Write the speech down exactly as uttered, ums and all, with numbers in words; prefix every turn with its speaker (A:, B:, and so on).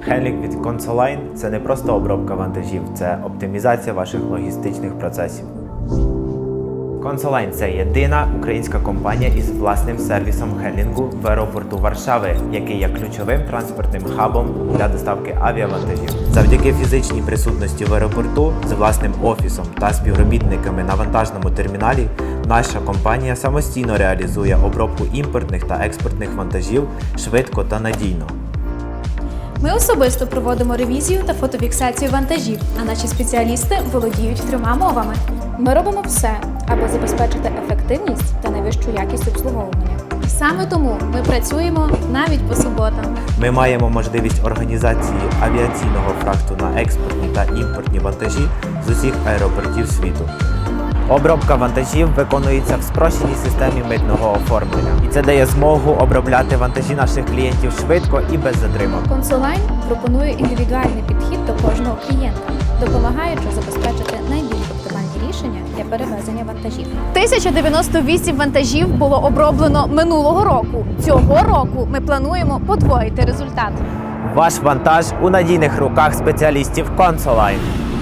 A: Хендлінг від Consoline – це не просто обробка вантажів, це оптимізація ваших логістичних процесів. Consoline – це єдина українська компанія із власним сервісом хендлінгу в аеропорту Варшави, який є ключовим транспортним хабом для доставки авіавантажів. Завдяки фізичній присутності в аеропорту з власним офісом та співробітниками на вантажному терміналі наша компанія самостійно реалізує обробку імпортних та експортних вантажів швидко та надійно.
B: Ми особисто проводимо ревізію та фотофіксацію вантажів, а наші спеціалісти володіють трьома мовами. Ми робимо все, аби забезпечити ефективність та найвищу якість обслуговування. Саме тому ми працюємо навіть по суботам.
A: Ми маємо можливість організації авіаційного фрахту на експортні та імпортні вантажі з усіх аеропортів світу. Обробка вантажів виконується в спрощеній системі митного оформлення. І це дає змогу обробляти вантажі наших клієнтів швидко і без затримок.
B: Consoline пропонує індивідуальний підхід до кожного клієнта, допомагаючи забезпечити найбільш оптимальні рішення для перевезення вантажів. тисяча дев'яносто вісім вантажів було оброблено минулого року. Цього року ми плануємо подвоїти результат.
A: Ваш вантаж у надійних руках спеціалістів Consoline.